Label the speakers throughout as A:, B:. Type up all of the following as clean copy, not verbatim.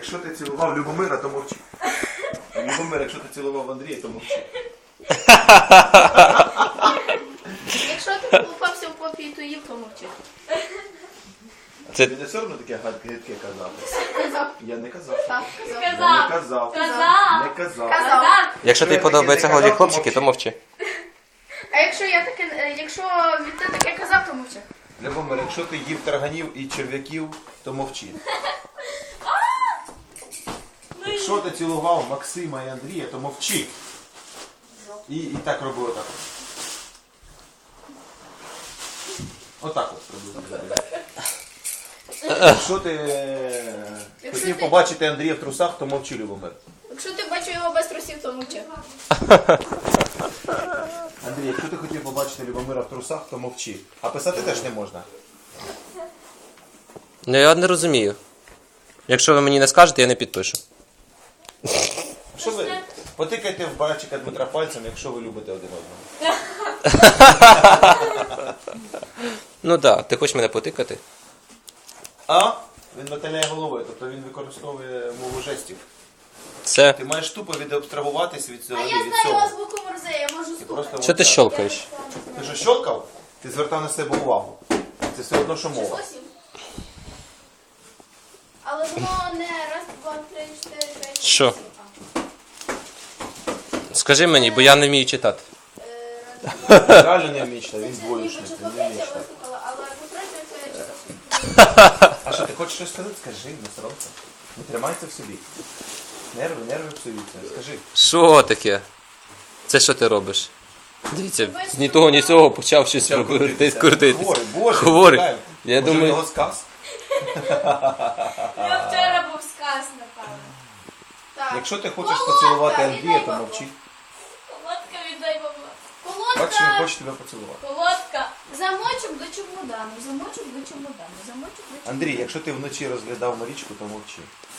A: Якщо ти цілував Любомира, то мовчи. Любомир, якщо ти цілував Андрія, то мовчи.
B: Якщо ти колупався в попі, то їв, то мовчи.
A: Це... Ти не все одно таке гидке казав?
B: Казав.
A: Я не казав.
B: Так, казав.
A: Я не казав.
C: Казав.
A: Не казав.
B: Казав.
D: Якщо тобі подобаються голі хлопчики, то мовчи.
B: А якщо від ти таке казав, то мовчи.
A: Любомир, якщо ти їв тарганів і черв'яків, то мовчи. Якщо ти цілував Максима і Андрія, то мовчи. І так роби отак. Отак от роби. Якщо ти хотів побачити Андрія в трусах, то мовчи, Любомир.
B: Якщо ти бачив його без трусів, то мовчи.
A: Андрій, якщо ти хотів побачити Любомира в трусах, то мовчи. А писати теж не можна.
D: Ну я не розумію. Якщо ви мені не скажете, я не підпишу.
A: Що ви? Потикайте в братчика Дмитра пальцем, якщо ви любите один одного.
D: Ну так, ти хочеш мене потикати?
A: А? Він мотиляє головою, тобто він використовує мову жестів.
D: Це...
A: Ти маєш тупо відабстрагуватись від цього.
B: А я знаю азбуку Морзе, я можу
A: Ти
B: стукати.
A: просто
D: Що ти
A: отак.
D: щолкаєш?
A: Ти що щолкав? Ти звертав на себе увагу. Це все одно, що мова.
B: Але воно не раз, два, три, чотири, п'ять.
D: Що? Скажи мені, бо я не вмію читати.
A: Реально не вміє читати, він двоєчник,
B: Ніби
A: він не вміє
B: я
A: читати.
B: виступила, але по-третє, це я читала.
A: А що, ти хочеш щось сказати? Скажи, не соромся. Не тримайся в собі. Нерви псуються. Скажи.
D: Що таке? Це що ти робиш? Дивіться, ні того, ні цього почав щось крутитись.
A: Хворий, боже,
D: Хворий.
A: чекай.
D: Я
A: Може,
D: думаю-
A: в нього сказ?
C: Я вчора був сказ, напевно.
B: Так.
A: Якщо ти хочеш поцілувати
B: Колодка,
A: Андрія, то
B: віддай
A: мовчи.
C: Колодка віддай бабла.
A: Бачиш, він
B: Колодка,
A: хоче тебе поцілувати.
C: Колодка.
B: замочок до чемодану, замочок до чемодану, замочок до чемодану.
A: Андрій, якщо ти вночі розглядав Марічку, то мовчи.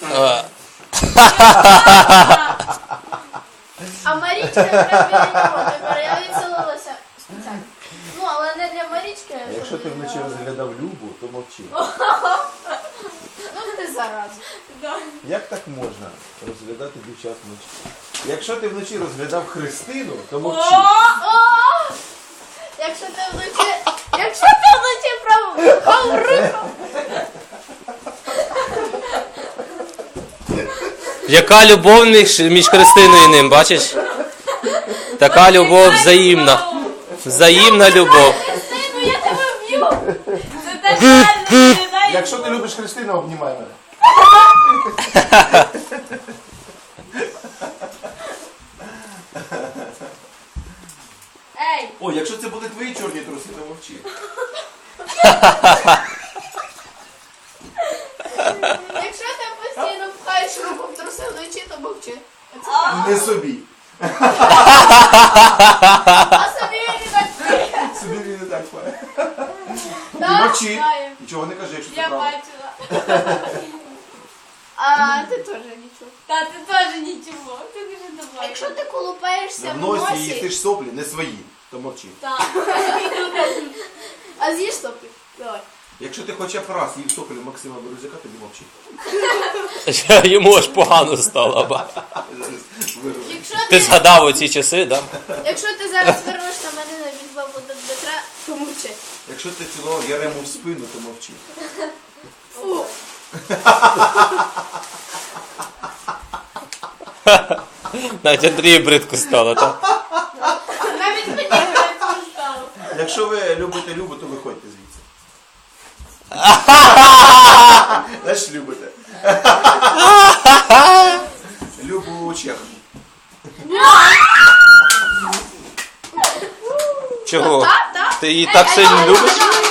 B: А Марічка прям біля нього, тепер я відселилася спеціально. Ну, але не для Марічки.
A: А якщо ти вночі розглядав Любу, то мовчи.
B: Ну ти зараза.
A: Як так можна розглядати дівчат вночі? Якщо ти вночі розглядав Христину, то мовчи.
B: О! Якщо ти вночі правухав руку.
D: Яка любов між Христиною і ним, бачиш? Така любов взаємна. Взаємна любов.
B: Христину, я тебе вб'ю.
C: Це так реально.
A: Якщо ти любиш Христину, обнімай мене.
C: Ей,
A: О, якщо це були твої чорні труси, то мовчи.
B: Якщо ти постійно пхаєш руку в труси вночі, то мовчи.
A: Не собі.
B: А собі він і так пхає.
A: Собі він не так пає. Ти
B: Так,
A: мовчи.
B: знаю.
A: Нічого не кажи, якщо це
C: я
A: правда.
C: бачила.
B: А ти теж нічого.
C: Та ти теж нічого. Ти дуже добре.
B: Якщо ти колупаєшся
A: В
B: в
A: носі і їстиш
B: носі,
A: соплі, не свої, то мовчи.
C: Так.
B: а з'їж соплі. Давай.
A: Якщо ти хоча б раз їв соплі Максима Березяка, тоді мовчи.
D: Йому аж погано стало. Ба.
B: Якщо
D: Ти згадав оці часи, так?
B: Якщо ти зараз вернеш на мене від бабу до Дмитра, то мовчи.
A: Якщо ти цілував Ярему в спину, то мовчи.
B: Фу.
D: Навіть Андрію бридко стало, так?
C: Навіть мені не стало.
A: Якщо ви любите Любу, то виходьте звідси. Знаєш, любите. Любу Чех.
D: Чого?
B: Так.
D: Ти її так сильно любиш?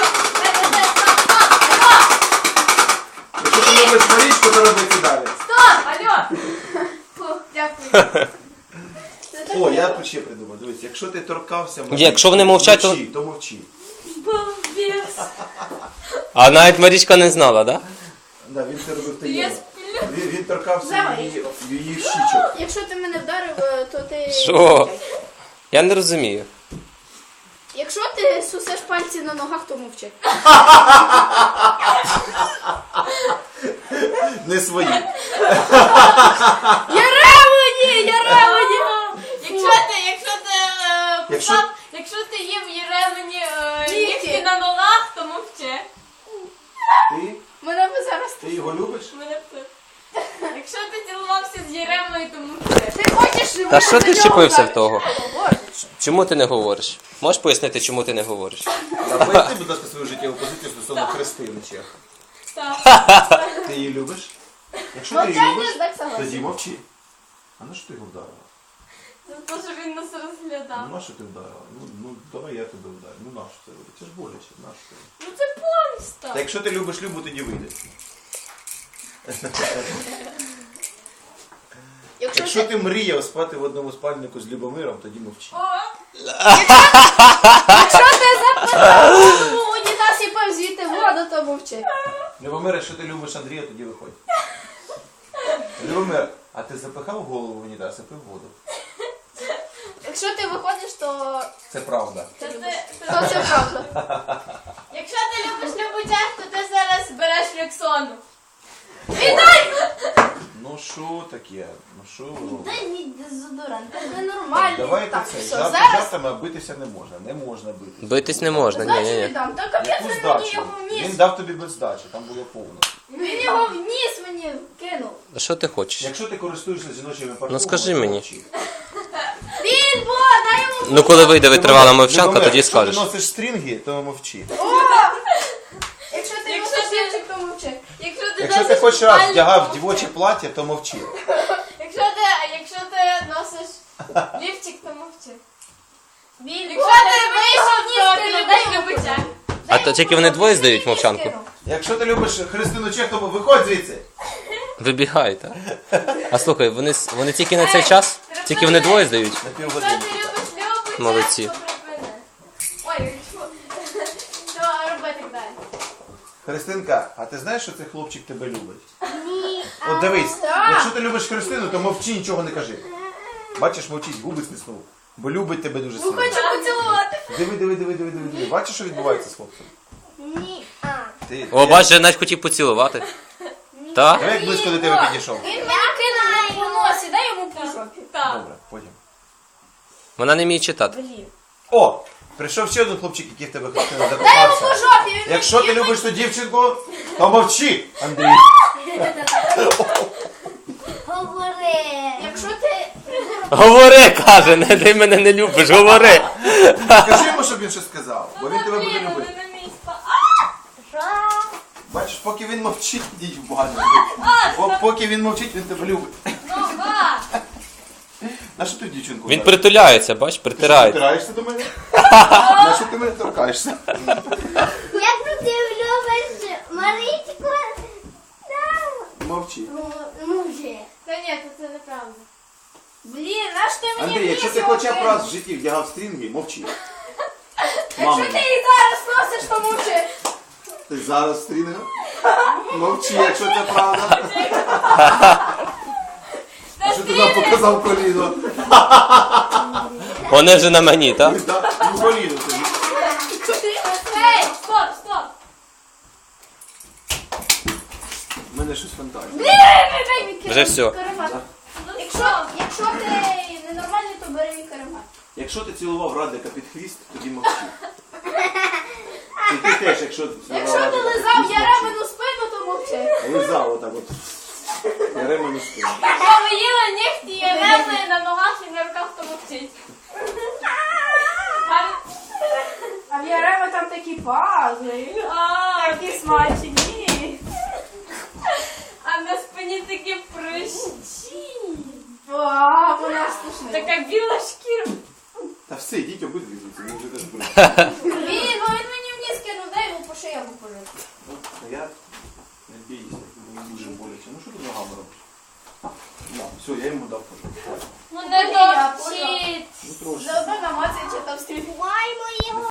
A: Якщо ти любиш Марічку, то роби це далі.
C: Алло.
B: Фу, дякую.
A: О, я ще придумав. Дивись, якщо ти торкався Марічки,
D: Якщо вони мовчать, то-
A: вночі, то мовчи.
C: Балбес.
D: А навіть Марічка не знала, так?
A: Да, він це робив
C: Я
A: таємно.
C: сплю.
A: Він торкався
B: Давай.
A: її щічок.
B: Якщо ти мене вдарив, то ти...
D: Що? Я не розумію.
B: Якщо ти сусеш пальці на ногах, то мовчи.
A: Не свої.
B: Я ремені!
C: Якщо ти їв Єремені
B: Нігті.
C: нігті на ногах, то мовчи.
A: Ти?
B: Мене би зараз...
A: Ти його любиш?
C: Мене тут. Якщо ти цілувався з Єремою, то мовчи.
B: Ти хочеш... щоб
D: Та
B: я
D: що
B: за
D: ти
B: нього
D: вчепився
B: так
D: в того?
B: говорю?
D: Чому ти не говориш? Можеш пояснити, чому ти не говориш?
A: А поясни, будь ласка, свою життєву позицію стосовно Христини Чех.
C: Так.
A: Ти її любиш? Якщо ти її
B: Мовчання
A: любиш,
B: ж так согласен.
A: тоді мовчи. А на що ти його вдарила?
C: За те, що він нас розглядав.
A: Ну на що ти вдарила? Ну давай я тебе вдарю. Ну на що це робити? Це ж боляче, на що це?
C: Ну це помста.
A: Та якщо ти любиш Любу, тоді вийде. Якщо ти мріяв спати в одному спальнику з Любомиром, тоді мовчи.
C: О,
B: Якщо ти запитав у унітаз і пив звідти воду, то мовчи.
A: Любомир, якщо ти любиш Андрія, тоді виходь. Любомир, а ти запихав голову в унітаз і пив воду?
B: Якщо ти виходиш, то...
A: Це правда.
C: то
B: То
C: ти...
B: це правда.
C: Якщо ти любиш Любутях, то ти зараз береш Рексону.
A: Ну що таке? Ну що ви робите?
B: Дай мій дезодорант, це ненормально.
A: Давайте
B: Так,
A: це.
B: все,
A: Жарти
B: зараз...
A: жартами, а битися не можна. Не можна битися.
D: Битись не можна,
B: Здачу
D: ні.
B: віддам, то капець
A: Яку
B: він мені
A: здачу?
B: його вніс.
A: Він дав тобі без здачі, там було повно.
B: Він його вніс мені, кинув.
D: А що ти хочеш?
A: Якщо ти користуєшся жіночими парфумами,
D: Ну, скажи мені.
A: мовчи.
B: Він, бо, дай йому...
D: Ну коли вийде витривала
A: Любомир,
D: мовчанка, тоді
A: якщо
D: скажеш.
A: ти носиш стрінги, то мовчи.
B: Якщо ти
C: Якщо
B: носиш
C: ти-
B: лівчик, то мовчи.
A: Якщо ти хоч раз вдягав дівоче плаття, то мовчи.
C: Якщо ти носиш лівчик, то мовчи.
B: Він,
C: Якщо ти вийшов, то ти любиш Любутях.
D: А то тільки вони двоє здають мовчанку?
A: Якщо ти любиш Христину Чех, то виходь звідси.
D: Вибігай, так? А слухай, вони тільки на цей час? Тільки вони двоє здають?
A: На
C: Якщо
A: півгодини.
C: ти любиш Любутях,
D: Молодці.
C: то припини. Ой, то роби так далі.
A: Христинка, а ти знаєш, що цей хлопчик тебе любить? Ні. От дивись, якщо ти любиш Христину, то мовчи, нічого не кажи. Бачиш, мовчить, губи стиснув. Бо любить тебе дуже сильно.
B: Хочу поцілувати.
A: Диви. Бачиш, що відбувається з хлопцем?
B: Ні.
A: Ти,
D: О, бач, же навіть хотів поцілувати. Так?
A: Давай як близько до тебе підійшов.
B: Він мене кинув по носі, дай йому по жопі.
C: Так.
A: Добре, потім.
D: Вона не вміє читати.
B: Блін.
A: О! Прийшов ще один хлопчик, який в тебе Христина
B: Дай йому по
A: закохався.
B: жопі. Він
A: Якщо ти любиш ту дівчинку, то мовчи, Андрій.
B: говори. Якщо ти...
D: Говори, каже, не ти мене не любиш, говори.
A: Скажи йому, щоб він щось сказав, бо він тебе буде
C: Блін,
A: любити.
C: вони на місці.
A: Бачиш, поки він мовчить, йдіть в баню. Поки він мовчить, він тебе любить.
C: Ну, ба.
A: На що ти дівчинку?
D: Він
A: вдарив?
D: притуляється, бач,
A: Ти що,
D: притирається.
A: притираєшся до мене? На що ти мене торкаєшся?
E: Як ти любиш Марічку?
A: Мовчи.
E: Може.
C: Та ні, це неправда.
B: Блін, наш ти мені
A: Андрій, якщо
B: вніс
A: ти
B: його
A: хоча б
B: кинув?
A: раз в житті вдягав стрінги, мовчи.
B: Якщо
A: Мама,
B: ти їх зараз носиш, то мовчи.
A: ти зараз в стрінгах? Мовчи, якщо це правда. А що ти нам показав коліно?
D: Вони вже на мені, так?
A: Ну, коліно тобі.
C: Ей, стоп, стоп.
A: У мене щось фантазія.
B: Дай мій
D: Вже все.
B: каремат.
C: Ну,
B: Якщо ти ненормальний, то бери мій каремат.
A: Якщо ти цілував Радика під хвіст, тоді мовчи. І ти теж, якщо ти цілував
B: Якщо ти
A: Радика під
B: лизав
A: хвіст, мовчи.
B: Яремену спину, то мовчи.
A: Лизав отак от. Яремену спину.
C: Якщо ви їли нігті Єремної на ногах і на руках, то мовчить.
B: А в Ярема там такі пазли. Такі смачні.
C: А на спині такі прищі.
B: О, вона страшна.
C: Така біла шкіра.
A: Та все, йдіть обидві звідси, він вже теж буде.
B: Він мені вниз кинув, дай йому по шиї пожити.
A: Ну, а я не бійся, мені дуже боляче. Ну що ти ногами робиш? На, все, я йому дав пожити.
C: Ну не топчіть.
A: Ну трошки.
B: Заодно намацаючи там стрілку.
E: Маємо його.